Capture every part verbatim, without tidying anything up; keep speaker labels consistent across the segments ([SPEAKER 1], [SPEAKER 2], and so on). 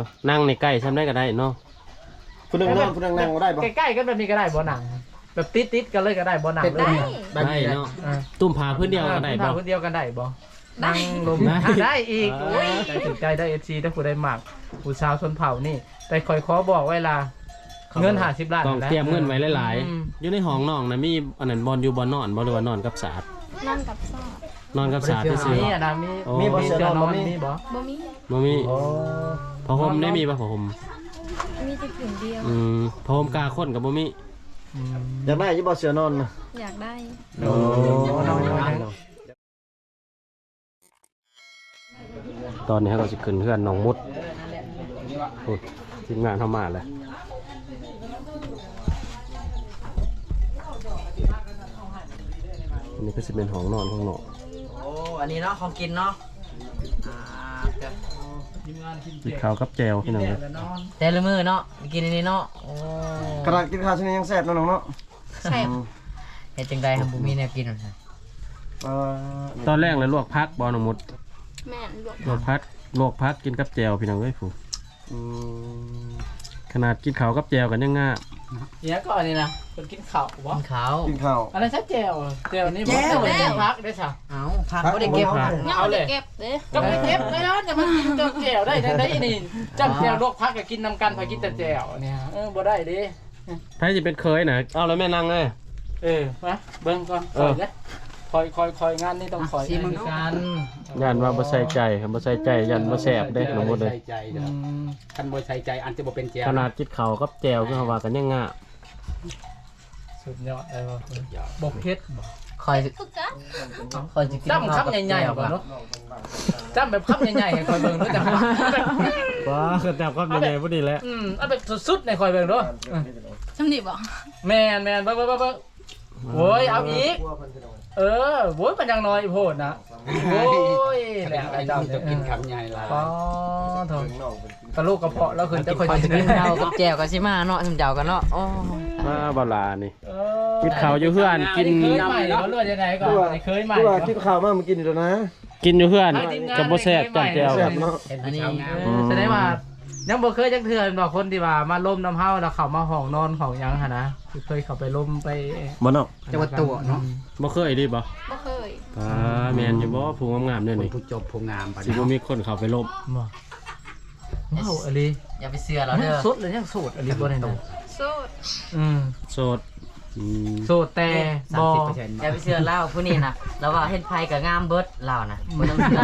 [SPEAKER 1] นั่งในใกล้ทำได้ก็ได้เนาะ
[SPEAKER 2] คุณนั่งนั่งคุณนั่งนั่งก็ได้ปะ
[SPEAKER 3] ใกล้ๆกันแบบนี้ก็ได้บ่หนังแบบติดๆกันเลยก็ได้บ่หนังเลย
[SPEAKER 1] ได้เนาะตุ่มผาพื้นเดียวก็ได้บ่
[SPEAKER 3] พื้นเดียวกันได้บ่นั่งลมได้อีกโอ้ยใจถึงใจได้เอฟซีถ้าผู้ได้หมักผู้ชาวชนเผ่านี่แต่คอยขอบอกเวลาเงินห้าสิบล้าน
[SPEAKER 1] ต้องเตรียมเงินไว้หลายๆอยู่ในห้องน้องนะมีอันนั้นบอลอยู่บอลนอนบอลหรือว่านอนกับสาด
[SPEAKER 4] นอนกับซอด
[SPEAKER 1] นอนกับสาดที่ซื้อ
[SPEAKER 3] มีอ่ะนะมีมีบ่เสื้อนอนมีบ่
[SPEAKER 4] บ่มี
[SPEAKER 1] บ่มีผ้าห่มได้มีป่ะผ้าห่ม
[SPEAKER 4] มีแต่ผืนเดียว
[SPEAKER 1] อืมผ้าห่มกาข้นกับบ่มี
[SPEAKER 2] อยากได้ยี่บ่เสือนอน
[SPEAKER 4] อยากได้
[SPEAKER 2] โอ้
[SPEAKER 1] ตอนนี้เราจะขึ้นเพื่อนน้องมุดทีมงานเข้ามาเลยอันนี้ก็จะเป็นห้องนอนห้องนอน
[SPEAKER 5] โอ้อันนี้เนาะของกินเนาะ
[SPEAKER 1] กินข้าวกับแจวพี่น้องเลย
[SPEAKER 5] แต่ละมือเนาะกินอันนี้เนาะ
[SPEAKER 2] กระดาษกินข้าวชนิดยังแซ่บน้องเนาะ
[SPEAKER 4] แซ่บ
[SPEAKER 5] เฮ็ดจังได๋ครับบ่มีแนวกินหรอก
[SPEAKER 1] ตอนแรกเลยลวกพักบอน้องมุด
[SPEAKER 4] แม่
[SPEAKER 1] ลวกพักลวกพักกินกับแจวพี่น้องเอ้ยผู้ขนาดกินข้าวกับแจวกันยังง่า
[SPEAKER 3] เนี่ยก็อันนี้นะคนกินข้าวบ่
[SPEAKER 5] กินข้าว
[SPEAKER 2] กินข้าว
[SPEAKER 3] อะไรใช่แจวแจวนี่บ่ได้พักได้ซะ
[SPEAKER 5] เอ้าพักบ่ได้เก็บ
[SPEAKER 4] เอาเลยเก็บเด้
[SPEAKER 3] ก็ไม่เก็บเลยนะจะมากินกับแจวได้ได้นี่จับแจวลวกพักก็กินนํกันพอกินแต่แจวเนี่ยเออบ่ได้ดิ
[SPEAKER 1] ไผสิเป็นเคยน่ะเอาแล้วแม่นั่งเลย
[SPEAKER 3] เออมาเบิ่งก่อนคอยเด้คอยคอยคอยงานนี่ต้องคอย
[SPEAKER 5] สิมึงกัน
[SPEAKER 1] ยันว่าบ่ใส่ใจบ่ใส่ใจยันบ่แซ่บเด้น้องมุดเด้
[SPEAKER 3] คันบ่ใส่ใจอันจะบ่เป็นแจว
[SPEAKER 1] ขนาดกินข้าวกับแจวคือว่ากันยังง่า
[SPEAKER 3] สุดยอดเลยบ่เผ็ดบ่
[SPEAKER 5] คอยคอยสิกิน
[SPEAKER 3] จ้ำคำใหญ่ๆบ่เนาะจ้ำแบบคำใหญ่ๆให้คอยเบิ่งด้วยจ้ะ
[SPEAKER 1] ว้าคือจับคำใหญ่ๆพอดีแล้ว
[SPEAKER 3] อืมเอาแบบสุดๆในคอยเบิ่งด้วย
[SPEAKER 4] จำนี่บ่
[SPEAKER 3] แม่นแม่นเบิ่งเบิ่งเบิ่งโอ้ยเอาอีกเออโว้ยมันยังน้อยโพดนะโอ้ยแหละเจ้าจะกินคำใหญ่ละอ๋อโถกระลูกกระเพาะแล้วคืนจะคอยจะกิน
[SPEAKER 5] ข้าวกับแจ่วก็สิมาเนาะสำเจ้ากันเนาะอ๋อ
[SPEAKER 1] มาบ่ลานี่กินข้าวอยู่เพื่อนกิน
[SPEAKER 3] เคยใหม่เนาะเลือดยังไงก่อนเคยใหม่
[SPEAKER 2] ก็กินข้าวมามากินอยู่นะ
[SPEAKER 1] กินอยู่เพื่อนกับบ่แซ่บจังแจ่ว
[SPEAKER 2] เนาะ
[SPEAKER 3] อันนี้แสดงว่ายังบ่เคยจักเทื่อดอกคนที่ว่ามาล้มน้ำเฮาแล้วเข้ามาห้องนอนของยังหั่นนะเคยเข้าไปล้มไป
[SPEAKER 1] บ่เนาะ
[SPEAKER 3] จังหวัดตัวเนาะ
[SPEAKER 1] บ่เคยดิบ่
[SPEAKER 4] บ่เคย
[SPEAKER 1] อ่าแม่นอยู่บ่ผู้งามๆเนี่ยนี่
[SPEAKER 3] ผู้จบผู้งาม
[SPEAKER 1] ปานนี้สิบ่มีคนเข้าไปล้มบ่
[SPEAKER 3] เฮาอลี
[SPEAKER 5] อย่าไปเชื่อเราเด้อ
[SPEAKER 3] สุดเลยยังโสดอลีบ่ได้เนาะ
[SPEAKER 4] โสด
[SPEAKER 3] อืม
[SPEAKER 1] โสดอืม
[SPEAKER 3] โสดแต่บ่
[SPEAKER 5] อย่าไปเชื่อเล่าผู้นี้น่ะแล้วว่าเฮ็ดไผก็งามเบิดเล่าน่ะบ่ต้องเชื่อ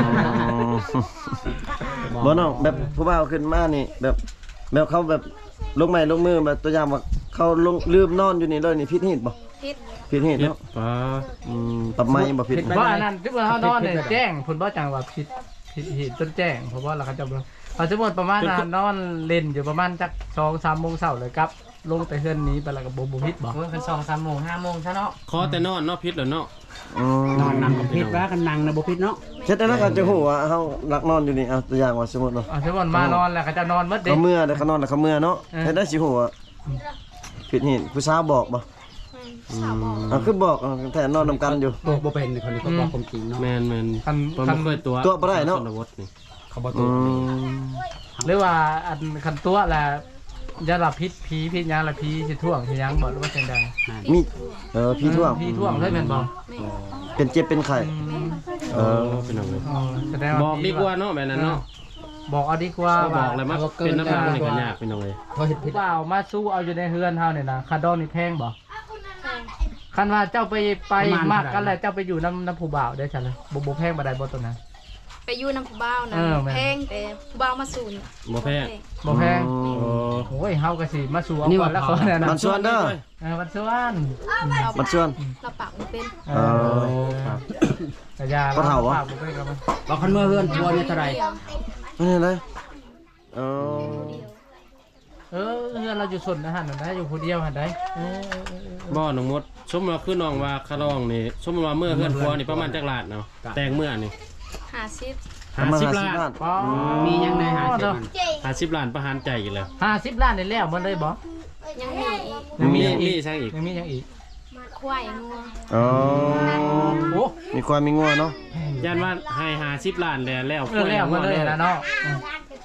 [SPEAKER 2] บ่น้องแบบผู้บ่าวขึ้นมานี่แบบแบบเขาแบบลงไม้ลงมือแบบตัวอย่างว่าเขาลงลืมนอนอยู่นี่เลยนี่ผิดเหตุบ่
[SPEAKER 4] ผิด
[SPEAKER 2] ผิดเหตุเนาะ
[SPEAKER 1] ป้า
[SPEAKER 2] อืมปรับไม้บ่ผิด
[SPEAKER 3] เพราะอันนั้นที่ว่าเฮานอนเนี่ยแจ้งเพิ่นบ่จังว่าผิดผิดเหตุจนแจ้งเพราะว่าเราเขาจะเขาจะหมดประมาณนอนเล่นอยู่ประมาณจัก สองถึงสาม โมงเช้าเลยครับลงแต่เฮือนนี้ไปแล้วก็บ่บ่ผิดบ่
[SPEAKER 5] โอ้ยคัน สอง สาม โมง ห้า โมงซะเนาะ
[SPEAKER 1] ขอแต่นอนเนาะผิดแล้วเนาะ
[SPEAKER 3] นอนนั่งก็ผิดว่ากันนั่งน่ะบ่ผิดเนาะ
[SPEAKER 2] เฮ็ดได้แล้วก็จะฮู้ว่าเฮารักนอนอยู่นี่เอาตัวอย่างว่าสมมุติเนาะ
[SPEAKER 3] อ่ะสมมุติมานอนแล้วก็จะนอนหมดเด้
[SPEAKER 2] เขาเมื่อเด้เขานอนแล้วเขาเมื่อเนาะเฮ็ดได้สิฮู้ว่าผิดเหตุผู้สาวบอกบ่
[SPEAKER 4] สาวบอก
[SPEAKER 2] อ่ะคือบอกแต่นอนนำกันอยู่
[SPEAKER 3] บ่บ่เป็นคนนี้เขาบอกความจริงเนาะ
[SPEAKER 1] แม่นๆคันคันเคยตัว
[SPEAKER 2] ตัวบ่ได้เนาะ
[SPEAKER 3] เขาบ่ตัวหรือว่าอันคันตัวแหละยาละพิษผีพิษยาละผีสิท่วงสิยังบ่หรือว่าจังได๋
[SPEAKER 2] มีเออผีท่วง
[SPEAKER 3] ผีท่วงเลยแม่นบ่
[SPEAKER 2] เป็นเจ็บเป็นไข้
[SPEAKER 1] เออเป็นจังได๋บอกดีกว่าเนาะแบบนั้นเนาะ
[SPEAKER 3] บอกเอาดีกว่า
[SPEAKER 1] บอกเลยมันเป็นน้ำมันนี่ก็ยากเป็นจังได๋
[SPEAKER 3] บ่เฮ็ดผิดเปล่ามาสู้เอาอยู่ในเฮือนเฮาเนี่ยนะคาดองนี่แพงบ่คันว่าเจ้าไปไปมากกันแหละเจ้าไปอยู่น้ำน้ำผู้บ่าวได้ซั่นเลยบ่บ่แพงบ่ได้บ่ตัวนั้น
[SPEAKER 4] ไปอยู่น้ำผู้บ่าวนะแพงแต่ผู้บ่าวมาสูน
[SPEAKER 1] บ่แพง
[SPEAKER 3] บ่แพงโอ้ยเฮาก็สิมาสู่เอาก่อนแล้วคนนั้น
[SPEAKER 2] มันชวนเด้อ
[SPEAKER 3] เออมันชวน
[SPEAKER 2] มันชวน
[SPEAKER 4] เราปากบ่เป็น
[SPEAKER 3] เออครับกะยาเราปากบ่เป็นครับบ่คันเมื่อเฮือนทัวนี่เท่าใด
[SPEAKER 2] นี่เลยเออ
[SPEAKER 3] เออเฮือนเราอยู่ส่วนนะหั่นน่ะอยู่ผู้เดียวหั่นได้เออ
[SPEAKER 1] บ่น้องมดสมมุติว่าคือน้องว่าคารองนี่สมมุติว่าเมื่อเฮือนทัวนี่ประมาณจักลาดเนาะแต่งเมื่อนี่
[SPEAKER 4] ห้าสิบ
[SPEAKER 1] ห้าสิบล้าน
[SPEAKER 3] มียังในห้าสิบ
[SPEAKER 1] ห้าสิบล้านประหารใจกันแล้ว
[SPEAKER 3] ห้าสิบล้านได้แล้วมันเลยบ่
[SPEAKER 4] ยังมีอีก
[SPEAKER 1] ยังมีอีกใช่อีก
[SPEAKER 3] ยังมียังอีก
[SPEAKER 4] ควายงัว
[SPEAKER 2] อ๋อโอ้มีควายมีงัวเนาะ
[SPEAKER 1] ยันว่าให้ห้าสิบล้านแล้วแล้ว
[SPEAKER 3] แล้วมันเลยนะเนาะ
[SPEAKER 4] ก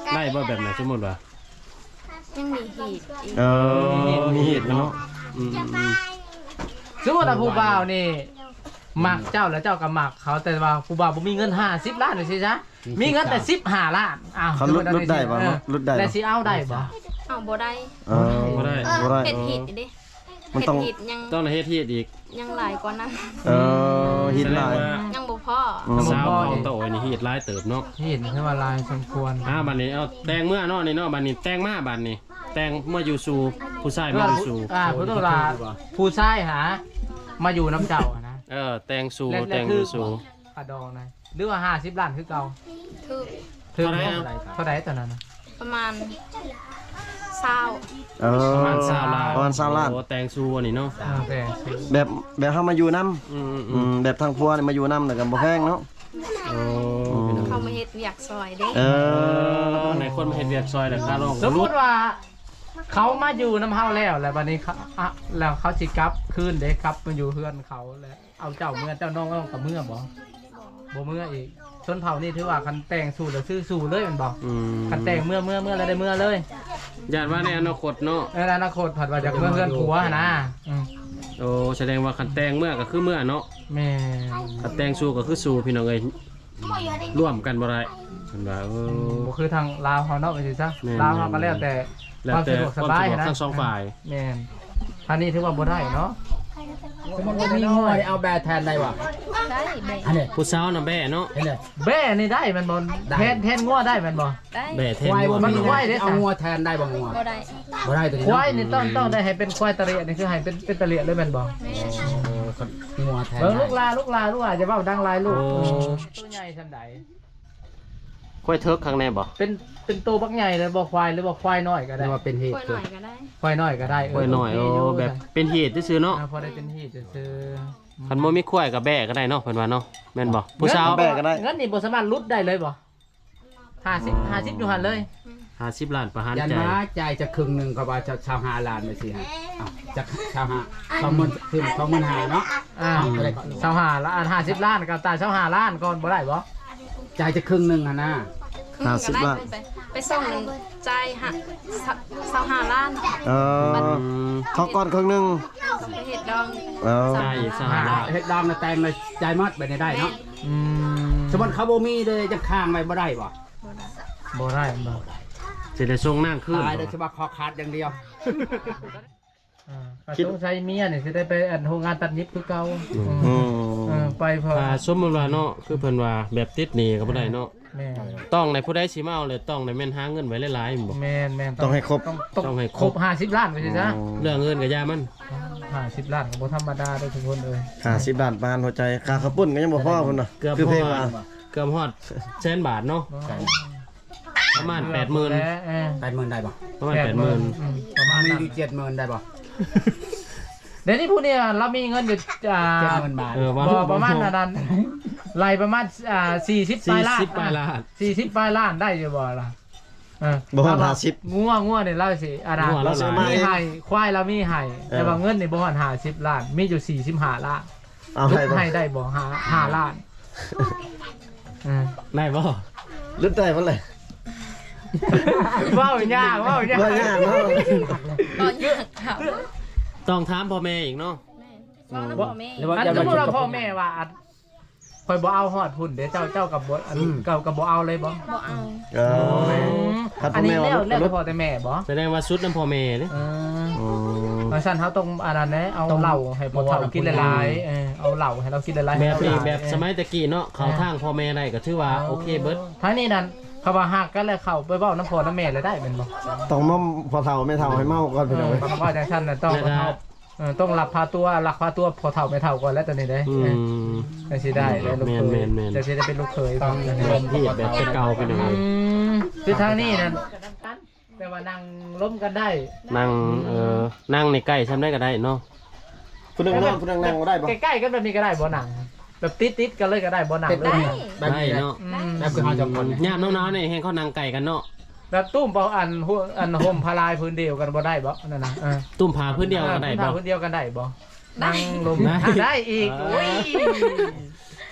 [SPEAKER 1] ได้บ่แบบไหนสมมุติว่า
[SPEAKER 4] ยังมีหีดอีก
[SPEAKER 2] เออมีเหตุเนาะ
[SPEAKER 1] อืม
[SPEAKER 3] สมมุติว่าผู้บ่าวนี่มักเจ้าแล้วเจ้าก็มักเขาแต่ว่าผู้บ่าวบ่มีเงินห้าสิบล้านนี่สิจ๊ะมีเงินแต่สิบห้าล้านอ้าว
[SPEAKER 2] เขาลดลดได้บ่เนาะลดได้
[SPEAKER 3] แล้วสิเอาได้บ่
[SPEAKER 4] เอาบ่ได้
[SPEAKER 2] เออ
[SPEAKER 1] บ่ได้
[SPEAKER 2] บ่ได้
[SPEAKER 4] เฮ็ดหีดอีกดิ
[SPEAKER 2] มัน
[SPEAKER 4] เฮ็ด
[SPEAKER 2] ต้อง
[SPEAKER 4] หีดยัง
[SPEAKER 1] ต้องเฮ็ดเฮ็ดอีก
[SPEAKER 4] ยังหลายกว่านั้น
[SPEAKER 2] เออฮิตหลาย
[SPEAKER 4] ยังบ่พอ
[SPEAKER 2] อืม
[SPEAKER 1] สาวเอาโตไอ้นี่เฮ็ดหลายเติบเนาะ
[SPEAKER 3] เห็นใช่ว่าลายสมควร
[SPEAKER 1] อ่าบัดนี้เอาแต่งเมื่อเนาะนี่เนาะบัดนี้แต่งมาบัดนี้ แต่งเมื่ออยู่สู่ผู้ชายมาอยู่สู่
[SPEAKER 3] อ่าผู้ต้องลาผู้ชายหามาอยู่น้ำเจ้าอะนะ
[SPEAKER 1] เออแต่งสู่
[SPEAKER 3] และ
[SPEAKER 1] แต่งอยู่สู่
[SPEAKER 3] กระดองนะหรือว่าห้าสิบล้านคือเก่า
[SPEAKER 4] ถือ
[SPEAKER 3] ถึง
[SPEAKER 1] เท่าไหร่อะ
[SPEAKER 3] เท่าไหร่ตอนนั้นนะ
[SPEAKER 4] ประมาณเศร้า
[SPEAKER 2] เออ
[SPEAKER 1] ประมาณ20ล้าน
[SPEAKER 2] ประมาณ20ล้าน
[SPEAKER 1] โอ้แต่งสู่อันนี้เนาะ
[SPEAKER 3] อ่าแต่สิ
[SPEAKER 2] แบบแบบเฮามาอยู่นํ
[SPEAKER 1] อืม
[SPEAKER 2] อืมแบบทางพัวนี่มาอยู่นำแต่ก็บ่แพงเนาะ
[SPEAKER 1] ๆโอ้พี่น้อง
[SPEAKER 4] เขามาเฮ็ดอยากซอยเด้
[SPEAKER 2] เอ
[SPEAKER 1] เอ
[SPEAKER 2] อ
[SPEAKER 1] อไหนคนมาเฮ็ดเวียกซอยแต่ค่าลง
[SPEAKER 3] สมมติว่าเขามาอยู่น้ำเฮาแล้วแล้วบัดนี้เขาอ่ะแล้วเขาสิกลับคืนเด้กลับมาอยู่เฮือนเขาแล้วเอาเจ้าเมื่อเจ้าน้องก็ต้องกับเมื่อบ่บ่เมื่ออีกชนเผ่านี่ถือว่าคันแต่งสู่แล้วซื้อสู่เลยแมันบ่
[SPEAKER 1] อืม
[SPEAKER 3] คันแต่งเมื่อเมื่อเมื่อแล้วได้เมื่อเลย
[SPEAKER 1] ญาติว่าในอนาคตเนาะ
[SPEAKER 3] ในอนาคตผัดว่าจากเมื่อเฮือนผัวหั่นนะอืม
[SPEAKER 1] โอ้แสดงว่าคันแต่งเมื่อก็คือเมื่อเนาะ
[SPEAKER 3] แม่
[SPEAKER 1] คันแต่งสู่ก็คือสู่พี่น้องเอ้ยร่วมกันบ่ได้เพิ่นว่าเออ
[SPEAKER 3] บ่คือทางลาวเฮาเนาะว่าสิซะ
[SPEAKER 1] แม่น
[SPEAKER 3] ลาวเฮาก็แล้วแต่
[SPEAKER 1] แล้ว
[SPEAKER 3] ความ
[SPEAKER 1] แต่
[SPEAKER 3] สะดวก
[SPEAKER 1] ค
[SPEAKER 3] ส
[SPEAKER 1] วาม
[SPEAKER 3] บาย
[SPEAKER 1] สะดวก
[SPEAKER 3] นะ
[SPEAKER 1] ทั้งสองฝ่าย
[SPEAKER 3] แม่นอันนี้ถือว่าบ่ได้เนาะ
[SPEAKER 6] สมมติว่ามีงัวนี่เอาแบร์แทนได้วะ
[SPEAKER 4] ได้แบ่
[SPEAKER 6] อันนี้
[SPEAKER 1] ผู้สาวน่ะแบ่เนาะ
[SPEAKER 6] เห็นเลย
[SPEAKER 3] แบ่นี่ได้แมันบ่
[SPEAKER 6] ได้
[SPEAKER 3] แทนแทนงัวได้แมันบ่
[SPEAKER 4] ได้
[SPEAKER 1] แบ่แทน
[SPEAKER 6] ควาย
[SPEAKER 1] งัว
[SPEAKER 6] บ่
[SPEAKER 3] มัน
[SPEAKER 6] มี
[SPEAKER 3] ควายเด้อ
[SPEAKER 6] เอางัวแทนได้บ่งัว
[SPEAKER 4] บ่ได้
[SPEAKER 6] บ่ได้ตัวนี้
[SPEAKER 3] ควายนี่ต้องต้องได้ให้เป็นควายตะเลียนี่คือให้เป็นเป็นตะเลียเลยแม่นบ่
[SPEAKER 4] แม่
[SPEAKER 6] เออคนงัวแทน
[SPEAKER 3] เบิ่ง
[SPEAKER 6] ได้
[SPEAKER 3] ลูกลาลูกลาลูกลาจะเว้าดังหลายลูกเออตัวใหญ่ซั่นใด
[SPEAKER 1] ค่อยเทิกข้างในบ่
[SPEAKER 3] เป็นเป็นตัวบักใหญ่เลยบ่ควายหรือบ่ควายน้อยก็ได้
[SPEAKER 6] นี่ว่าเป็นเหตุ
[SPEAKER 4] ค่อยหน่อยก็ได้
[SPEAKER 3] ควายน้อยก็ได้
[SPEAKER 1] ค่อยหน่อยโอ้แบบเป็นเหตุซื่อๆเนาะ
[SPEAKER 3] อ่าพอได้เป็นที่ซื่อ
[SPEAKER 1] คันบ่มีควายก็แบ่ก็ได้เนาะเพิ่นว่าเนาะแม่นบ่
[SPEAKER 3] ๆ
[SPEAKER 1] ผู้สาว
[SPEAKER 2] แบ่ก็ได้
[SPEAKER 3] งั้นนี่บ่สามารถลุดได้เลยบ่ห้าสิบ ห้าสิบอยู่หั่นเลย
[SPEAKER 1] ห้าสิบล้านประหาร
[SPEAKER 6] ยัน
[SPEAKER 1] ใจ
[SPEAKER 6] มาจ่ายจะครึ่งหนึงก็ว่าจะชาวหาล้านไปสิฮะเอาจะชาวหาสองหมื่นคือสองหมื่นห้าเนาะ
[SPEAKER 3] อ่า
[SPEAKER 6] เท่าไหร่ก่อน
[SPEAKER 3] เสาหาล้านห้าสิบล้านกับตาเสาหาล้านก่อนบ่ได้บ่
[SPEAKER 6] จ่ายจะครึ่งหนึงอ่ะนะ
[SPEAKER 4] ครึ่ง
[SPEAKER 2] ห้าสิ
[SPEAKER 4] ก็
[SPEAKER 2] บ
[SPEAKER 4] ได้
[SPEAKER 2] ล้าน
[SPEAKER 4] ไปไปส่งจ่ายหะเศร้าห้าล้าน
[SPEAKER 2] เออ
[SPEAKER 1] อืม
[SPEAKER 2] เขาก่อนครึ่งหนึง
[SPEAKER 4] ไปเฮ็ดดอง
[SPEAKER 2] เออ
[SPEAKER 1] ได้อีกสหาล้าน
[SPEAKER 6] เฮ็ดดองน่ะแต่งเลยจ่ายหมดไปได้เนาะ
[SPEAKER 3] อืม
[SPEAKER 6] สมมุติเขาบ่มีเลยจะค้างไว้บ่ได้บ่
[SPEAKER 3] บ่ได้บ่
[SPEAKER 1] สิได้ส่งนางคืน
[SPEAKER 6] ตายโดยเฉพาะคอขาดอย่างเดียว
[SPEAKER 3] อ่าก็ต้องใช้เมียนี่สิได้ไปอันโรงงานตัดเย็บคือเก่า
[SPEAKER 2] อืม
[SPEAKER 3] เออไปพอ
[SPEAKER 1] ถ้าสมมุติว่าเนาะคือเพิ่นว่าแบบติดหนี้ก็บ่ได้เนาะ
[SPEAKER 3] แม่น
[SPEAKER 1] ต้องในผู้ใดสิมาเอาเลยต้องในแม่นหาเงินไว้หลายๆแม่นบ่
[SPEAKER 3] แม่นแม่น
[SPEAKER 2] ต้องให้ครบ
[SPEAKER 3] ต้อง
[SPEAKER 1] ต้องให้ค
[SPEAKER 3] ค
[SPEAKER 1] ร
[SPEAKER 3] ร
[SPEAKER 1] บ
[SPEAKER 3] บห้าสิบล้านไปสิซะ
[SPEAKER 1] เรื่องเงินก็อย่ามัน
[SPEAKER 3] ห้าสิบล้านก็บ่ธรรมดาเด้อทุกคนเอ้ย
[SPEAKER 2] ห้าสิบล้านปานหัวใจค่าข้าวปุ้นก็ยังบ่พอพุ่นน่ะ
[SPEAKER 1] เกือบ
[SPEAKER 2] คือเพลง
[SPEAKER 1] พอ
[SPEAKER 2] ว่า
[SPEAKER 1] เกือบฮอดแสนบาทเนาะประมาณแปดหมื่น
[SPEAKER 3] แล้วเออ
[SPEAKER 6] แปดหมื่นได้บ่
[SPEAKER 1] ประมาณแปดหมื่น
[SPEAKER 3] อืมประมาณ
[SPEAKER 6] มี
[SPEAKER 3] นั้น
[SPEAKER 6] อยู่เจ็ดหมื่นได้บ่
[SPEAKER 3] เดี๋ยวนี้ผู้เนี่ยเรามีเงินอยู่อ่า
[SPEAKER 6] เจ็ดหมื่นบาท
[SPEAKER 1] เออว่า
[SPEAKER 3] บ่ประมาณนั้นไล่ประมาณอ่าสี่สิบปลายล้าน
[SPEAKER 1] สี่สิบปลายล้าน
[SPEAKER 3] สี่สิบปลายล้านได้อยู่บ่ล่ะเออ
[SPEAKER 2] บ่ฮอดห้าสิบ
[SPEAKER 3] งัวงัวเนี่ยเล่าสิอาดา
[SPEAKER 1] งัวเราหลาย
[SPEAKER 3] มีไห้ควายเรามีไห้
[SPEAKER 2] เออ
[SPEAKER 3] แต่ว่าเงินในบ่ฮอดห้าสิบล้าน มีอยู่สี่สิบห้าล้าน
[SPEAKER 2] เอา
[SPEAKER 3] ลุ
[SPEAKER 2] ให้
[SPEAKER 3] ก
[SPEAKER 2] บ่
[SPEAKER 3] ให้ได้บ่ห้าห้าล้านเออ
[SPEAKER 1] ได้บ่
[SPEAKER 2] ลึกได้บ่เลย
[SPEAKER 3] ว้าวยากว้าวยาก
[SPEAKER 2] บ่ยากเนาะ
[SPEAKER 4] ก็ยากครับ
[SPEAKER 1] ต้องถามพ่อแม่อีกเนาะ
[SPEAKER 4] แม่ว่าน้ำพ่อแม่
[SPEAKER 6] หรือว่า
[SPEAKER 3] อัน
[SPEAKER 6] จะ
[SPEAKER 3] สม
[SPEAKER 6] มาม
[SPEAKER 3] ติ
[SPEAKER 6] จุด
[SPEAKER 3] ว่า
[SPEAKER 6] กับ
[SPEAKER 3] พ่อแม่ว่าอันคอยบ่เอาฮอดพุ่นเดี๋ยวเจ้าเจ้ากับบ่อันกับกับบ่เอาเลยบ่
[SPEAKER 4] บ่เอา
[SPEAKER 2] เออ ครับ
[SPEAKER 3] อันนี้
[SPEAKER 2] พ่อแม่
[SPEAKER 3] แล้ว
[SPEAKER 2] ว่า
[SPEAKER 3] แล้วแต่พ่อแต่แม่บ่
[SPEAKER 1] แสดงว่าสุดน้ำพ่อแม่เด้
[SPEAKER 3] เออ
[SPEAKER 2] อืม
[SPEAKER 3] เพราะฉะนั้นเขาต้องอันนั้นแหละเอาเหล้าให้พ่อเฒ่ากินหลายๆเออเอาเหล้าให้เรากินหลายๆ
[SPEAKER 1] แบบนี้
[SPEAKER 3] ให้เราหลาย
[SPEAKER 1] แบบสมัยตะกี้เนาะเขาทางพ่อแม่ได้ก็ถือว่าโอเคเบิด
[SPEAKER 3] ทั้งนี้นั่นเขาว่าหักกันแล้วเข้าไปเว้าน้ำพ่อน้ำแม่เลยได้แม่นบ่
[SPEAKER 2] ต้องมาพอเฒ่าไม่เฒ่าให้เมาก่อนพี่น้องเว้ย
[SPEAKER 3] คำว่าจังซั่นน่ะต้อง
[SPEAKER 1] แล้วก็
[SPEAKER 3] เออต้องรับพาตัวรักพาตัวพอเฒ่าไม่เฒ่าก่อนแล้วตอนนี้เด้
[SPEAKER 1] อื
[SPEAKER 3] เออ
[SPEAKER 1] ม
[SPEAKER 3] ไม่สิได้ได้ลูกเคย
[SPEAKER 1] แม่นแม่นแม่น
[SPEAKER 3] จะสิได้เป็นลูกเคย
[SPEAKER 6] ต้อง
[SPEAKER 3] เออ
[SPEAKER 1] เริ่มที่แบบเป็นเก่าไปหน่อย
[SPEAKER 3] อืมคือทางนี้นั่นแต่ว่านั่งล้มกันได้
[SPEAKER 1] นั่งเอ่อนั่งในใกล้ทำได้ก็ได้เนาะ
[SPEAKER 2] ผู้หนึงนอนผู้หนึงนั่งบ่ได้บ่
[SPEAKER 3] ใกล้ๆกันแบบนี้ก็ได้บ่หนังแบบติดๆกันเลยก็ได้บ่หนัง
[SPEAKER 6] เป็น
[SPEAKER 3] เล
[SPEAKER 6] ได้
[SPEAKER 3] ย
[SPEAKER 6] แบบ
[SPEAKER 1] ได้
[SPEAKER 6] นี้
[SPEAKER 1] เนาะ
[SPEAKER 3] อืม
[SPEAKER 6] แบบคือเฮาจะคนเนี่ย
[SPEAKER 1] ยามน้าวๆนี่ให้เขานั่งไก่กันเนาะ
[SPEAKER 3] แบบตุ้มเปาอันหัวอันห่มพลายพื้นเดียวกันบ่ได้บ่นั่นน่ะเออ
[SPEAKER 1] ตุ้มผาพื้นเดียวก็ได้
[SPEAKER 3] ผ้า
[SPEAKER 1] บ่
[SPEAKER 3] พื้นเดียวกันได้บ่นั่งลม
[SPEAKER 1] ได้
[SPEAKER 3] ได้อีก
[SPEAKER 1] เออ
[SPEAKER 3] โอ้ย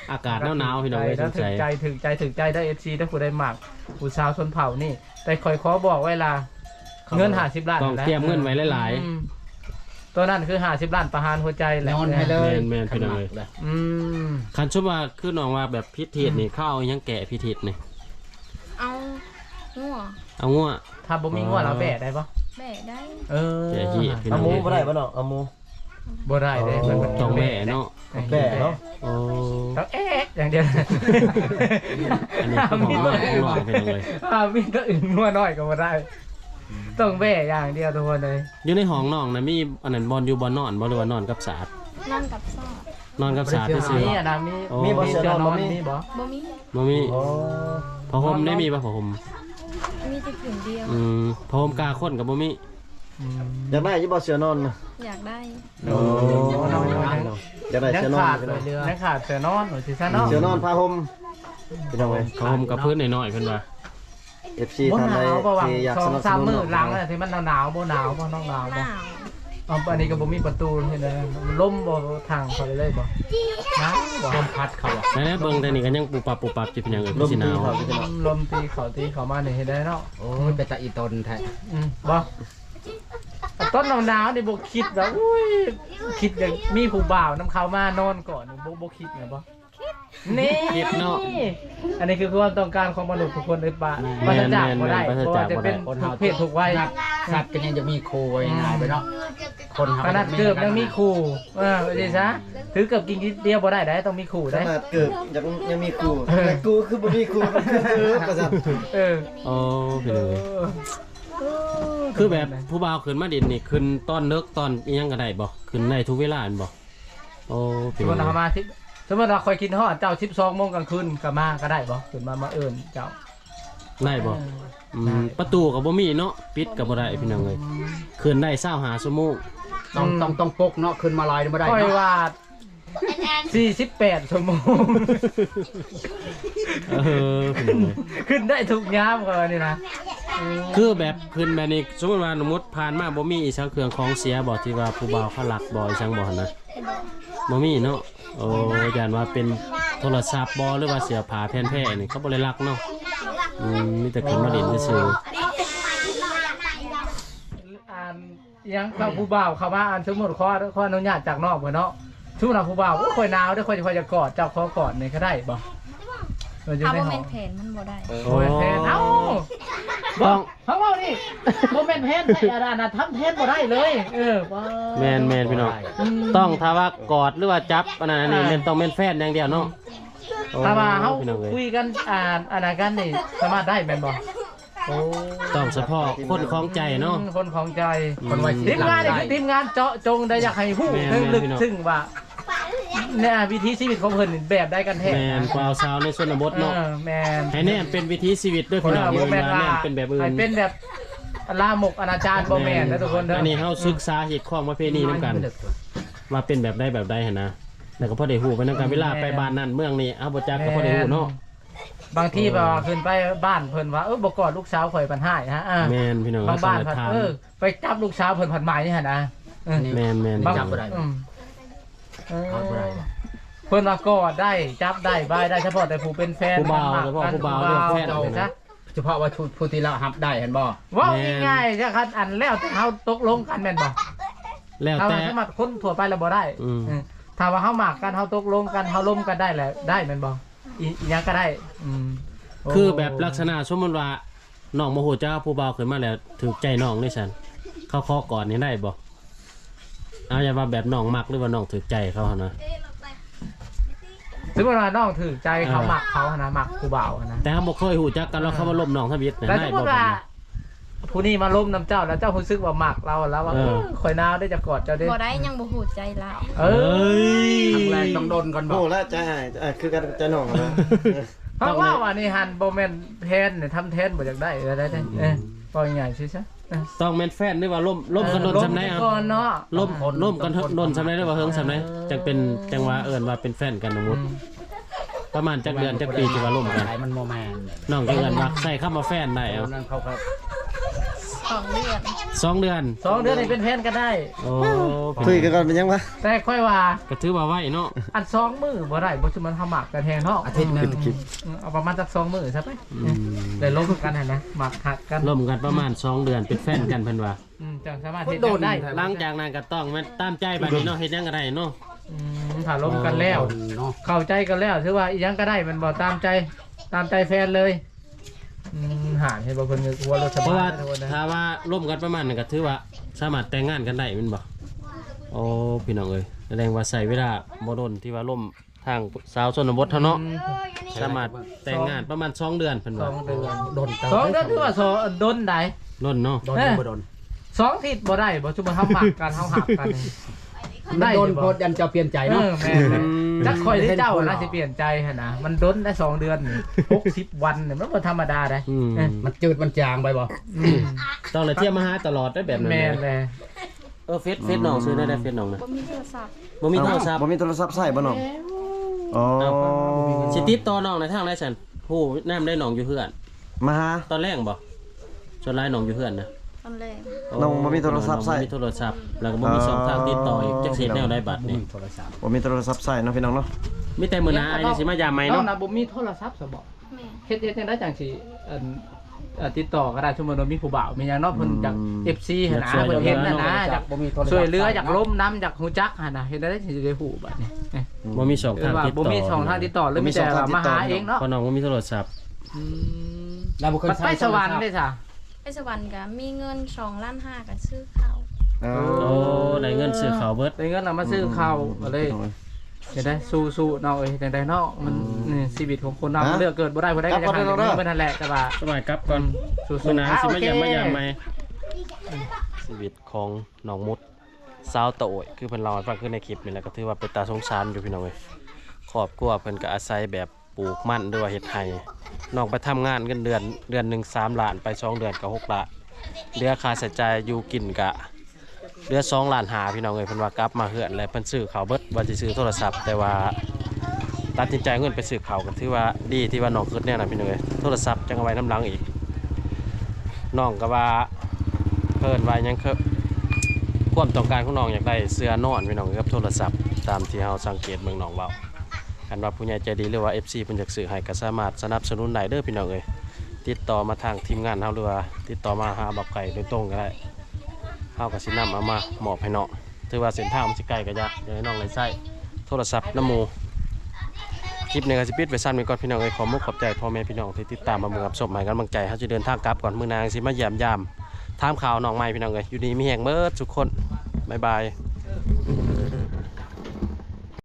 [SPEAKER 1] อากาศหนาวๆพี่น้องเอ้ยส
[SPEAKER 3] ถึ
[SPEAKER 1] น
[SPEAKER 3] ง
[SPEAKER 1] ใจ
[SPEAKER 3] ใจถึงใจถึงใจได้ เอฟ ซี ถ้าผู้ใดมักผู้สาวชนเผ่านี่แต่คอยขอบอกไว้ล่ะเงินห้าสิบล้าน
[SPEAKER 1] ต้องเตรียมเงินไว้หลาย
[SPEAKER 3] อืมตัวนั้นคือห้าสิบล้านประหารหัวใจแหละ
[SPEAKER 6] นอนให้เลย
[SPEAKER 1] แม่นๆพี่น้องเอ้ย
[SPEAKER 3] อืม
[SPEAKER 1] ๆคันชุบว่าคือน้องว่าแบบพิธีนี่เข้าเอาหยังแกะพิธีนี่
[SPEAKER 4] เอางัว
[SPEAKER 1] เอางัว
[SPEAKER 3] ถ้าบ่มีงัวเราแบะได้ปะ
[SPEAKER 4] แม่ได้
[SPEAKER 3] เออ
[SPEAKER 1] แกะขี้พี่น้
[SPEAKER 2] เอา
[SPEAKER 1] อง
[SPEAKER 2] หมู
[SPEAKER 1] เอ้ย
[SPEAKER 2] บ่ได้บ่เนาะเอาหมู
[SPEAKER 3] บ่ได้เด้มันมัน
[SPEAKER 1] ต้องแม่เนาะ
[SPEAKER 2] แบ่เนาะ
[SPEAKER 1] โอ้
[SPEAKER 3] ต้องเอ๊ะอย่างเดียว
[SPEAKER 1] อันนี้คือของน้องของน้องพี่น้องเอ้ย
[SPEAKER 3] อ่ามีตัวอื่นงัวน้อยก็บ่ได้ ต้องแบะอย่างเดียวทุกคนเลย
[SPEAKER 1] อยู่ในห้องน้องนะมีอันนั้นบอลอยู่บอลนอนบ่หรือว่านอนกับสาด
[SPEAKER 4] นั่งกับซอด
[SPEAKER 1] นอนกับสาดซื่อ
[SPEAKER 3] มีอ่ะนะมี
[SPEAKER 1] โอ้
[SPEAKER 3] มีบ่เสื้อนอนมีบ่
[SPEAKER 4] บ่มี
[SPEAKER 1] ๆบ่มี
[SPEAKER 2] โอ้
[SPEAKER 1] ผ้าห่มได้มีป่ะผ้าห่ม
[SPEAKER 4] มีแต่ผืนเดียว
[SPEAKER 1] อืมผ้าห่มกาคนกับบ่มี
[SPEAKER 2] อยากได้อยู่บ่เสือนอนน่ะ
[SPEAKER 4] อยากได้
[SPEAKER 3] โอ้น้อง
[SPEAKER 2] อยากได้
[SPEAKER 3] ยัง
[SPEAKER 2] เสือนอน
[SPEAKER 3] ขาด
[SPEAKER 2] พี่
[SPEAKER 3] เล
[SPEAKER 2] น้อง
[SPEAKER 3] ยยังขาดเสื้อนอนหรือสิซะเนาะ
[SPEAKER 2] เสือนอนผ้าห่มพี่น้องเอ้ย
[SPEAKER 1] ผ้าห่มกับพื้นน้อยๆเพิ่นว่า
[SPEAKER 2] เอฟซี
[SPEAKER 3] บ่
[SPEAKER 2] ท่าน
[SPEAKER 3] ห
[SPEAKER 2] ใด
[SPEAKER 3] นาวบ่หวัง
[SPEAKER 2] ที่อยาก
[SPEAKER 3] สอ
[SPEAKER 2] ส
[SPEAKER 3] ง
[SPEAKER 2] นับส
[SPEAKER 3] สาม
[SPEAKER 2] นุน
[SPEAKER 3] มื้อหลังน่ะที่มันหนาวๆบ่หนาวบ่น้องหนาว
[SPEAKER 4] ห
[SPEAKER 3] บ่
[SPEAKER 4] นาว
[SPEAKER 3] อ๋ออันนี้ก็บ่มีประตูเห็นไหมมันล่มบ่ทางเขาเลยบ่นะบ่
[SPEAKER 6] ลมพัดเขาอ่ะ
[SPEAKER 1] แล้วเบิ่งแต่นี่ก็ยังปูปับปูปับจิเป็นหยังเอ้ย
[SPEAKER 2] ลม
[SPEAKER 1] สิห
[SPEAKER 2] ตี
[SPEAKER 1] นาว
[SPEAKER 2] เขาพี่น้อง
[SPEAKER 3] ลมตีเขาตีเขามานี่เห็นได้เนาะ
[SPEAKER 6] โอ้ยเป็นตาอีตนแท้
[SPEAKER 3] อืมบ่ต้นหนาวๆนี่บ่คิดว่าอุ้ยคิดอย่างมีผู้บ่าวนำเขามานอนก่อนบ่บ่คิดไงบ่นี่
[SPEAKER 1] คิดเนาะ
[SPEAKER 3] อันนี้คือความต้องการของมนุษย์ทุกคนเลยป่ะปราศจากบ่ได้เพราะว่าจะเป็นทุกเพศทุกวัย
[SPEAKER 6] สัตว์ก็ยังจะมีโคไว้ง่ายไปเนาะคน
[SPEAKER 3] ขนาดเกือบยังมีคู่เออไปดิซะถือเกือบกินนิดเดียวบ่ได้ได้ต้องมีคู่
[SPEAKER 2] ข
[SPEAKER 3] ได้
[SPEAKER 2] นาดเกิดยังยังมีครูแต่กูคือบ่มีครูเออประสาท
[SPEAKER 3] เออ
[SPEAKER 1] โอ้พี่น้องเอ้ยคือแบบผู้บ่าวขึ้นมาดินนี่ขึ้นตอนเลิกตอนอีหยังก็ได้บ่ขึ้นได้ทุกเวลาอันบ่โอ้
[SPEAKER 3] ส
[SPEAKER 1] พี่
[SPEAKER 3] ม
[SPEAKER 1] น้
[SPEAKER 3] ม
[SPEAKER 1] อง
[SPEAKER 3] ติ
[SPEAKER 1] เอ้
[SPEAKER 3] เรา
[SPEAKER 1] ย
[SPEAKER 3] มาที่สมมติเราคอยกินฮอดเจ้าสิบสองโมงกลางคืนก็มาก็ได้บ่ขึ้นมามาเอิ้นเจ้า
[SPEAKER 1] ได้บ่อืมประตูก็บ่มีเนาะปิดก็บ่ได้พี่น้องเอ้ยขึ้นได้เช้าหาชั่วโมง
[SPEAKER 6] ต้องต้องต้องปกเนาะขึ้นมาลอยไม่ได้
[SPEAKER 3] คอย
[SPEAKER 6] เนาะ
[SPEAKER 3] ว่าสี่สิบแปดชั่วโมง
[SPEAKER 1] เออพี่น้องเอ้ย
[SPEAKER 3] ขึ้นได้ทุกยามก็นี่นะ
[SPEAKER 1] คือแบบขึ้นแบบนี้สมมติว่าสมมติผ่านมาบ่มีอีสังเครื่องของเสียบ่ที่ว่าผู้บ่าวเขาหลักบ่อีสังบ่หั่นนะบ่มีเนาะโอ้ยานว่าเป็นโทรศัพท์บ่หรือว่าเสื้อผ้าแผ่นแพร่นี่เขาบ่ได้ลักเนาะอืมมีแต่ขึ้นมาเล่นซื่อ
[SPEAKER 3] อ่านยังเข้าผู้บ่าวเข้ามาอ่านสมมติข้อข้ออนุญาตจากนอกบ่เนาะทุกนาผู้บ่าวโอ้ยคอยหนาวเด้อคอยคอยจะกอดเจ้าขอกอดนี่ก็ได้บ่เราอยู่
[SPEAKER 4] ถ้า
[SPEAKER 3] ใน
[SPEAKER 4] บ่
[SPEAKER 3] ห้
[SPEAKER 4] แม่
[SPEAKER 3] อง
[SPEAKER 4] นแผนมันบ่ได้
[SPEAKER 1] ๆ
[SPEAKER 3] โอ้ยแทนเอ้า
[SPEAKER 1] ต้อง
[SPEAKER 3] เขาเอานี่โมเมนต์แทนใส่อารานะทำแทนบ่ได้เลยเออว้า
[SPEAKER 1] แม่นแม่นพี่น้องต้องถ้าว่ากอดหรือว่าจับอันนั้นอันนี้แม่นต้องแม่นแฟนอย่างเดียวเนาะโอ้
[SPEAKER 3] ถ้าว่าเขา
[SPEAKER 1] พี่น้องเอ้ย
[SPEAKER 3] คุยกันอ่านอ่านกันนี่สามารถได้แม่นบ่โอ้
[SPEAKER 1] ต้องเฉพาะคนของใจเนาะ
[SPEAKER 3] คนของใจ
[SPEAKER 6] คนไว้
[SPEAKER 3] ที
[SPEAKER 6] สิ
[SPEAKER 3] ม
[SPEAKER 6] หลั
[SPEAKER 3] งาน
[SPEAKER 6] ง
[SPEAKER 3] นี่
[SPEAKER 6] ได้
[SPEAKER 3] คือทีมงานเจาะจงได้อยากให้ฮู้
[SPEAKER 1] แม่น
[SPEAKER 3] ถึงลึก
[SPEAKER 1] แม่นพี่น้อง
[SPEAKER 3] ซึ้งว่าเนี่ยวิถีชีวิตของเพิ่นนี่แบบได้กันแท้
[SPEAKER 1] แม่นกวาวสาวในชนบท
[SPEAKER 3] เอ
[SPEAKER 1] เนาะ
[SPEAKER 3] อแม่น
[SPEAKER 1] ให้แน่นเป็นวิถีชีวิตด้วยพี่น้อง
[SPEAKER 3] บ่
[SPEAKER 1] เว
[SPEAKER 3] แม่
[SPEAKER 1] ลาน
[SPEAKER 3] ว่า
[SPEAKER 1] แน่นเป็นแบบอื่
[SPEAKER 3] ให้
[SPEAKER 1] น
[SPEAKER 3] เป็นแบบลามกอนาจารบ่แม่นนะทุกคนเด้อ
[SPEAKER 1] อั
[SPEAKER 3] อั
[SPEAKER 1] นนี้เฮาศึกษาเหตุข้องประเพณีนํกัน ว่าเป็นแบบใดแบบใดหั่นนะแล้วก็พอได้ฮู้ไปนํกันเวลาไปบ้านนั้นเมืองนี้เอาบ่จักก็พอได้ฮู้เนาะ
[SPEAKER 3] บางทีแบบว่าขึ้นไปบ้านเพิ่นว่าเออบ่กอดลูกสาวข่อยปันหายฮะอ่า
[SPEAKER 1] แม่นพี่น้อง
[SPEAKER 3] บางบ้าน
[SPEAKER 1] ส
[SPEAKER 3] ผัด
[SPEAKER 1] ถาน
[SPEAKER 3] เออไปจับลูกสาวเพิ่นผัดหมายนี่หั่นนะเออ
[SPEAKER 1] แม่นแม่น
[SPEAKER 3] บาง
[SPEAKER 6] จับบ่ได้
[SPEAKER 3] อืมเออ
[SPEAKER 6] เอาบ่ได้บ่
[SPEAKER 3] เพิ่นว่ากอดได้จับได้บายได้เฉพาะแต่ผู้เป็นแฟน
[SPEAKER 1] ผู้บ่าว
[SPEAKER 3] มัน
[SPEAKER 1] เฉพาะ
[SPEAKER 3] กัน
[SPEAKER 1] ผู้บ่าวเรื่องแฟน
[SPEAKER 3] ผู้บ่าว
[SPEAKER 1] นะ
[SPEAKER 6] เฉพาะว่าผู้ที่เราหับได้เห็นบ่
[SPEAKER 3] เว้า
[SPEAKER 1] แม่น
[SPEAKER 3] ง่ายๆจ้ะคันอันแล้วแต่เฮาตกลงกันแม่นบ่
[SPEAKER 1] แล้ว
[SPEAKER 3] ถ้า
[SPEAKER 1] แต่
[SPEAKER 3] ว่าสมัครคนทั่วไปแล้วบ่ได้
[SPEAKER 1] อืม
[SPEAKER 3] เออถ้าว่าเฮามักกันเฮาตกลงกันเฮาล้มกันได้แหละได้แม่นบ่อีอีหยังก็ได้อืมโ
[SPEAKER 1] คือแบบลักษณะสมมุติว่าน้องโมโหเจ้าผู้บ่าวขึ้นมาแล้วถูกใจน้องนี่ซั่นเขาขอก่อนนี่ได้บ่เอาอย่าว่าแบบน้องมักหรือว่าน้องถูกใจเขาหั่นนะ
[SPEAKER 3] สมมุติว่าน้องถือใจเขามักเขาหั่นนะมักผู้บ่าวหั่นนะ
[SPEAKER 1] แต่เฮาบ่เคยฮู้จักกันแล้วเขามาล้มน้องทบิดนะ
[SPEAKER 3] แต่
[SPEAKER 1] ได้
[SPEAKER 3] สมม
[SPEAKER 1] บ่
[SPEAKER 3] ติ
[SPEAKER 1] แบบ
[SPEAKER 3] ว่า
[SPEAKER 1] นี้
[SPEAKER 3] ผู้นี้มาล้มน้ำเจ้าแล้วเจ้ารู้สึกว่าหมักเราแล้วว่า
[SPEAKER 1] เออ
[SPEAKER 3] เออข่อยนาวได้จะกอดเจ้าเด้
[SPEAKER 4] บ่ได้ยังบ่ฮู้ใจเรา
[SPEAKER 3] เอ
[SPEAKER 1] เอ้
[SPEAKER 3] อย
[SPEAKER 6] ครั้งแรกต้องโดนก่อนบ่
[SPEAKER 2] โอ้แล้วใจหายอ่ะคือกันใจหน่องนะ
[SPEAKER 3] เพราะว่าวันนี้ฮันโบแมนเทนเนี่ยทำเทนบ่อยากได้ได้ได้ได้เออปล่อยใหญ่ใช่ใช่
[SPEAKER 1] ต้องแม่นแฟนหรือว่าล้มล้มกันโดนซำไหน
[SPEAKER 3] อ่ะ
[SPEAKER 1] อ่ะ
[SPEAKER 3] ก่อนเนาะ
[SPEAKER 1] ล้มล้มกันโดนซำไหนหรือว่าเฮิงซำไหนจังเป็นจังว่าเอิ้นว่าเป็นแฟนกันสมมุติประมาณจักเดือนจักปีที่ว่าล้มกัน
[SPEAKER 6] ไหมันโมแมน
[SPEAKER 1] น้องก็เอิ้นว่าใส่คำว่าแฟนได้
[SPEAKER 6] ต
[SPEAKER 1] เอา
[SPEAKER 6] อนนั้นเขาก็
[SPEAKER 4] สองเดือน
[SPEAKER 1] สองเดือน
[SPEAKER 3] สองเดือนนี่เป็นแฟนกันได้
[SPEAKER 1] โอ้
[SPEAKER 2] คุยกันก่อนเป็นยังวะ
[SPEAKER 3] แต่ค่อยว่า
[SPEAKER 1] ก็ถือว่าไว้เนาะ
[SPEAKER 3] อันสองมือบ่ได้บ่สิมันทำหมักกันแทงเนาะ
[SPEAKER 6] อาทิตย์หนึง
[SPEAKER 3] เอาประมาณสักสองมือใช่ไหม
[SPEAKER 1] อืม
[SPEAKER 3] ได้ลงกันหั่นนะหมักหักกัน
[SPEAKER 1] ร่วมกันประมาณสองเดือนเป็นแฟนกันเพิ่นว่า
[SPEAKER 3] อืมจังสามารถเฮ็ดกันได้
[SPEAKER 1] หลังจากนั้นก็ต้องมาตามใจบัดนี้เนาะเฮ็ดหยังก็ได้เนาะ
[SPEAKER 3] อืมถ้าลงกันแล้ว
[SPEAKER 6] เนาะ
[SPEAKER 3] เข้าใจกันแล้วถือว่าอีหยังก็ได้มันบ่ตามใจตามใจแฟนเลยอืมหานเห็นบ่เพิ่นกลัวรถส
[SPEAKER 1] เพราะ
[SPEAKER 3] บา
[SPEAKER 1] ว่าย
[SPEAKER 3] นะทุกคนนะ
[SPEAKER 1] ถ้าว่าร่วมกันประมาณนั้นก็ถือว่าสามารถแต่งงานกันได้แม่นบ่โอ้พี่น้องเอ้ยแสดงว่าใช้เวลาบ่โดนที่ว่าร่วมทางสาวชนบทเท่าเนาะสามารถแต่งงานประมาณสองเดือนเพิ่น
[SPEAKER 3] ส
[SPEAKER 1] ว่า
[SPEAKER 3] องเดือน
[SPEAKER 6] โดนเติม
[SPEAKER 3] สองเดือนถือว่าสองดนได้
[SPEAKER 1] ล้นเนาะ
[SPEAKER 6] โดนหรือบ่โดน
[SPEAKER 3] สองทิศบ่ได้บ่ชุบเฮาหมักกันเฮาหักกัน
[SPEAKER 6] ได้โดน
[SPEAKER 3] บ่
[SPEAKER 6] โพดยันเจ้าเปลี่ยนใจ
[SPEAKER 3] เอ
[SPEAKER 6] เนาะ
[SPEAKER 3] อแม่นเลยจักคอยได้เจ้าน่าสิเปลี่ยนใจหั่นนะมันดนได้สองเดือนนี่หกสิบวันนี่มันบ่ธรรมดาเด้
[SPEAKER 1] อืม
[SPEAKER 3] เออ
[SPEAKER 6] มันจืดมันจางไปบ่
[SPEAKER 3] อืม
[SPEAKER 1] ต้องเลยเที่ยวมาหาตลอดได้แบบนั้น
[SPEAKER 3] แม่น
[SPEAKER 1] เลย
[SPEAKER 3] เลย
[SPEAKER 1] เออเฟซเฟซน้องซื้อได้ได้เฟซน้องนะ
[SPEAKER 4] บ่มีโทรศัพท์
[SPEAKER 1] บ่มีโทรศัพท์
[SPEAKER 2] บ่มีโทรศัพท์ใส่บ่น้องอ๋อ
[SPEAKER 1] สิติดต่อน้องในทางไรฉันผู้แนมได้น้องอยู่เพื่อน
[SPEAKER 2] มาหา
[SPEAKER 1] ตอนแรกบ่จนไล่น้องอยู่เพื่อนนะ
[SPEAKER 4] ตอนแรก
[SPEAKER 2] น้องบ่มีโทรศัพท์ใช้
[SPEAKER 1] น้องบ่มีโทรศัพท์แล้วก็บ่มีช่องทางติดต่ออีกจักเฮ็ดแนวได้บัด
[SPEAKER 6] บ่
[SPEAKER 1] นี่
[SPEAKER 6] มีโทรศัพท์
[SPEAKER 2] บ่มีโทรศัพท์ใส่เนาะพี่น้องเนาะ
[SPEAKER 1] มีแต่มื้อหน้าอ้ายนี่สิมายามใหม่
[SPEAKER 3] น้อ
[SPEAKER 1] เนาะ
[SPEAKER 3] งน่ะบ่มีโทรศัพท์ซะบ่
[SPEAKER 4] แม่
[SPEAKER 3] เฮ็ดเฮ็ดจังได๋จังสิอันเอ่อติดต่อก็ได้ชั่วโมงนึงมีผู้บ่าวมีหยังเนาะเพิ่นจาก เอฟ ซี หั่นนะเพิ่นเห็นน่ะนะอยาก
[SPEAKER 6] บ่มีโทรศัพท์
[SPEAKER 3] ช่วยเหลืออยากล้มน้ำอยากฮู้จักหั่นน่ะเฮ็ดได้สิได้ฮู้บัดนี้เอ้ย
[SPEAKER 1] บ่มีช่อง
[SPEAKER 3] คื
[SPEAKER 1] ทา
[SPEAKER 3] อง ว่า
[SPEAKER 1] ติด
[SPEAKER 3] บ่
[SPEAKER 1] ต่อ
[SPEAKER 3] มีช่องทางติดต่อหรือมีแต่ว่ามาหาเองเนาะ
[SPEAKER 1] เพราะน้องบ่มีโทรศัพท์
[SPEAKER 3] อืม
[SPEAKER 6] เราบ่เคย
[SPEAKER 3] มัน
[SPEAKER 6] ใช้
[SPEAKER 3] ไปสวรรค์ได้จ้ะ
[SPEAKER 4] ไปสวรรค์ก็มีเงินสองล้านห้าก็ซื้อข้าว
[SPEAKER 2] อ๋อ
[SPEAKER 1] โอ้ได้เงินซื้อข้าวเบิด
[SPEAKER 3] ได้เงินเอามาซื้อข้าวก็เลยจะได้สู้ๆเนาะเอ้ยจังได๋เนาะมันนี่ชีวิตของคนเรามันเลือกเกิดบ่ได้บ่ได้ก็จะหาเงินบ่นั่นแหละแต่ว่า
[SPEAKER 1] สบายครับก่อน
[SPEAKER 3] สู้
[SPEAKER 1] มื้อหน้า
[SPEAKER 3] ๆ
[SPEAKER 1] สิ
[SPEAKER 3] โอ
[SPEAKER 1] มา
[SPEAKER 3] เค
[SPEAKER 1] ยามมายามใหม่ชีวิตของน้องมุดสาวโตยคือเพิ่นเล่าให้ฟังคือในคลิปนี่แหละก็ถือว่าเป็นตาสงสารอยู่พี่น้องเอ้ยครอบครัวเพิ่นก็อาศัยแบบปลูกมันหรือว่าเฮ็ดไร่น้องไปทำงานเงินเดือนเดือนหนึงสามล้านไปสองเดือนก็หกล้านเหลือค่าใช้จ่ายอยู่กินก็เหลือสองล้านห้าพี่น้องเอ้ยเพิ่นว่ากลับมาเฮือนแล้วเพิ่นซื้อข้าวเบิดว่าสิซื้อโทรศัพท์แต่ว่าตัดสินใจเอาเงินไปซื้อข้าวก็ถือว่าดีที่ว่าน้องคิดแน่น่ะพี่น้องเอ้ยโทรศัพท์จังเอาไว้น้ำหลังอีกน้องก็ว่าเพิ่นว่าหยังคือความต้องการของน้องอยากได้เสื้อนอนพี่น้องกับโทรศัพท์ตามที่เฮาสังเกตเบิ่งน้องเว้าคันว่าผู้ใหญ่ใจดีหรือว่า เอฟ ซี เพิ่นอยากซื้อให้ก็สามารถสนับสนุนได้เด้อพี่น้องเอ้ยติดต่อมาทางทีมงานเฮาหรือว่าติดต่อมาหาบักไก่โดยตรงก็ได้เฮาก็สินำเอามามอบให้น้องถือว่าเส้นทางมันสิไกลก็ยากอยากให้น้องได้ใช้โทรศัพท์น้ำหมู่คลิปนี้ก็สิปิดไว้สั้นไว้ก่อนพี่น้องเอ้ยขอมุกขอบใจพ่อแม่พี่น้องที่ติดตามมาเบิ่งรับชมให้กำลังใจเฮาจะเดินทางกลับก่อนมื้อนางสิมาเยี่ยมยามถามข่าวน้องใหม่พี่น้องเอ้ยอยู่ดีมีแฮงเบิดทุกคนบ๊ายบาย